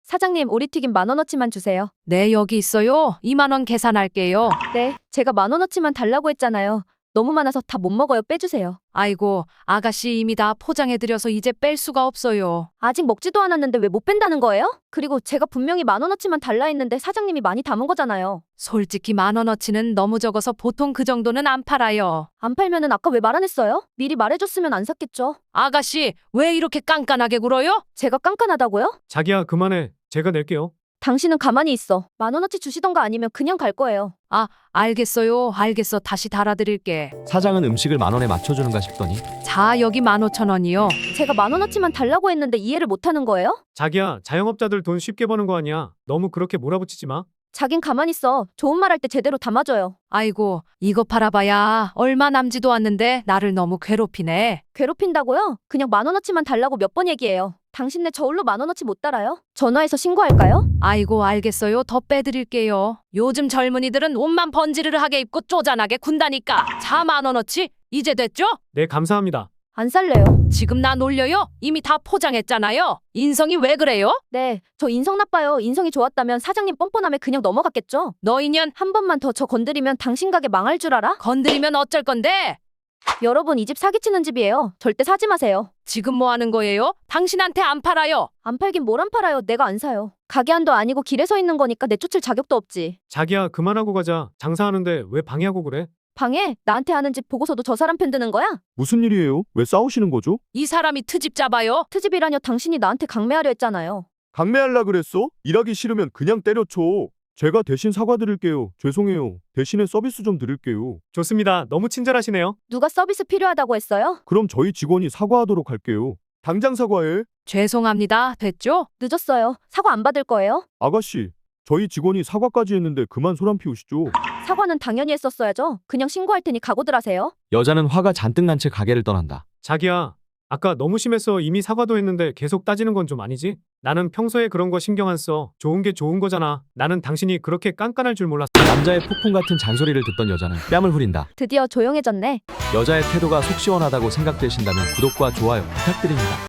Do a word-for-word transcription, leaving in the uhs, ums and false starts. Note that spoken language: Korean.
사장님, 오리튀김 만 원어치만 주세요. 네, 여기 있어요. 이만 원 계산할게요. 네, 제가 만 원어치만 달라고 했잖아요. 너무 많아서 다 못 먹어요. 빼주세요. 아이고, 아가씨 이미 다 포장해드려서 이제 뺄 수가 없어요. 아직 먹지도 않았는데 왜 못 뺀다는 거예요? 그리고 제가 분명히 만 원어치만 달라 했는데 사장님이 많이 담은 거잖아요. 솔직히 만 원어치는 너무 적어서 보통 그 정도는 안 팔아요. 안 팔면은 아까 왜 말 안 했어요? 미리 말해줬으면 안 샀겠죠. 아가씨, 왜 이렇게 깐깐하게 굴어요? 제가 깐깐하다고요? 자기야, 그만해. 제가 낼게요. 당신은 가만히 있어. 만 원어치 주시던가 아니면 그냥 갈 거예요. 아, 알겠어요. 알겠어. 다시 달아드릴게. 사장은 음식을 만 원에 맞춰주는가 싶더니 자, 여기 만 오천 원이요. 제가 만 원어치만 달라고 했는데 이해를 못 하는 거예요? 자기야, 자영업자들 돈 쉽게 버는 거 아니야. 너무 그렇게 몰아붙이지 마. 자긴 가만히 있어. 좋은 말 할 때 제대로 담아줘요. 아이고, 이거 팔아봐야 얼마 남지도 않는데 나를 너무 괴롭히네. 괴롭힌다고요? 그냥 만 원어치만 달라고 몇 번 얘기해요. 당신네 저울로 만 원어치 못 달아요? 전화해서 신고할까요? 아이고, 알겠어요. 더 빼드릴게요. 요즘 젊은이들은 옷만 번지르르하게 입고 쪼잔하게 군다니까. 자, 만 원어치. 이제 됐죠? 네, 감사합니다. 안 살래요. 지금 나 놀려요? 이미 다 포장했잖아요. 인성이 왜 그래요? 네, 저 인성 나빠요. 인성이 좋았다면 사장님 뻔뻔함에 그냥 넘어갔겠죠? 너 인연 한 번만 더 저 건드리면 당신 가게 망할 줄 알아? 건드리면 어쩔 건데? 여러분, 이 집 사기치는 집이에요. 절대 사지 마세요. 지금 뭐 하는 거예요? 당신한테 안 팔아요. 안 팔긴 뭘 안 팔아요. 내가 안 사요. 가게 안도 아니고 길에 서 있는 거니까 내쫓을 자격도 없지. 자기야, 그만하고 가자. 장사하는데 왜 방해하고 그래? 방해? 나한테 하는 집 보고서도 저 사람 편 드는 거야? 무슨 일이에요? 왜 싸우시는 거죠? 이 사람이 트집 잡아요. 트집이라뇨. 당신이 나한테 강매하려 했잖아요. 강매할라 그랬어? 일하기 싫으면 그냥 때려쳐. 제가 대신 사과드릴게요. 죄송해요. 대신에 서비스 좀 드릴게요. 좋습니다. 너무 친절하시네요. 누가 서비스 필요하다고 했어요? 그럼 저희 직원이 사과하도록 할게요. 당장 사과해. 죄송합니다. 됐죠? 늦었어요. 사과 안 받을 거예요? 아가씨, 저희 직원이 사과까지 했는데 그만 소란 피우시죠. 사과는 당연히 했었어야죠. 그냥 신고할 테니 각오들 하세요. 여자는 화가 잔뜩 난 채 가게를 떠난다. 자기야, 아까 너무 심해서 이미 사과도 했는데 계속 따지는 건 좀 아니지? 나는 평소에 그런 거 신경 안 써. 좋은 게 좋은 거잖아. 나는 당신이 그렇게 깐깐할 줄 몰랐어. 남자의 폭풍 같은 잔소리를 듣던 여자는 뺨을 후린다. 드디어 조용해졌네. 여자의 태도가 속 시원하다고 생각되신다면 구독과 좋아요 부탁드립니다.